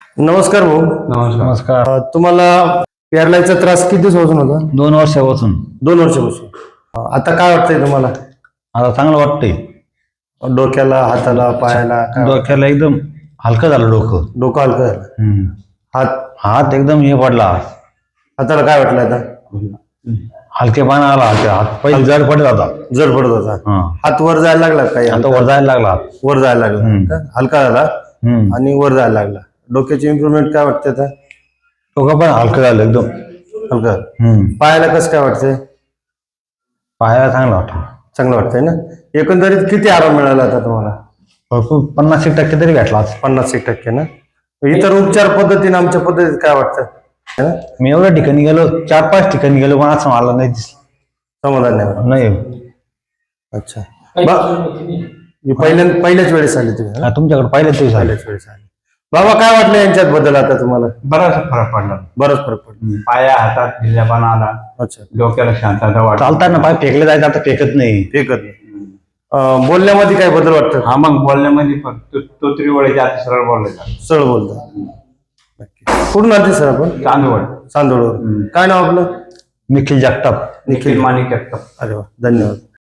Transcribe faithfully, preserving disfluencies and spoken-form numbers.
नमस्कार भाऊ. नमस्कार. नमस्कार. अ, तुम्हाला पॅरालाइजचा त्रास किती दिवसापासून होता? दोन वर्षापासून. दोन वर्षापासून. अ, आता काय वाटतंय तुम्हाला? आता चांगलं वाटतंय. डोक्याला, हाताला, पायाला काय वाटतंय? डोक्याला एकदम हलकं झालं डोकं. डोकं हलकं झालं. हम्म. हात हात एकदम हे पडला. हाताला काय वाटलं आता? हलकेपणा आला. हात पहिले जड पडत होता. जड पडत होता. हा. हात वर जायला लागला काही? आता वर जायला लागला हात. वर जायला लागला हम्म. का? हलका झाला हम्म. आणि वर जायला लागला. डोक्याची इम्प्रुव्हमेंट काय वाटते आता? डोकं पण हलकं झालं एकदम. हलकं. हम्म. पायाला कसं काय वाटतंय? पायाला चांगलं वाटतं. चांगलं वाटतंय ना? एकंदरीत किती आराम मिळाला आता तुम्हाला? भरपूर पन्नास एक टक्के तरी भेटला आज. पन्नास एक टक्के ना? इतर उपचार पद्धतीने आमच्या पद्धतीत काय वाटतं? है ना? मी एवढ्या ठिकाणी गेलो, चार पाच ठिकाणी गेलो, पण असं मला नाही दिसलं. समाधान नाही वाटत. नाही. अच्छा. बा- पहिल्या पहिल्याच वेळेस आले तुम्ही? हा, तुमच्याकडे पाहिलं तरी झालं. पहिल्याच वेळेस आले. बाबा काय वाटलं यांच्यात बदल आता तुम्हाला? बराच फरक पडला. बरंच फरक पडला. पाया हातात ढिल्यापणा आला, अच्छा. डोक्याला शांतता वाटत. चालताना पाय फेकले जायचं, आता फेकत नाही. ठीक आहे. अं, बोलण्यामध्ये काय बदल वाटतं? हा, मग बोलण्यामध्ये पण तो तो त्रिवळी जास्त सरळ बोलायचा. सरळ बोलतो. कुठून आलते सर आपण? चांदवड. चांदोडवर. काय नाव आपलं? निखिल जगताप. निखिल माणिक जगताप. अरे वा, धन्यवाद.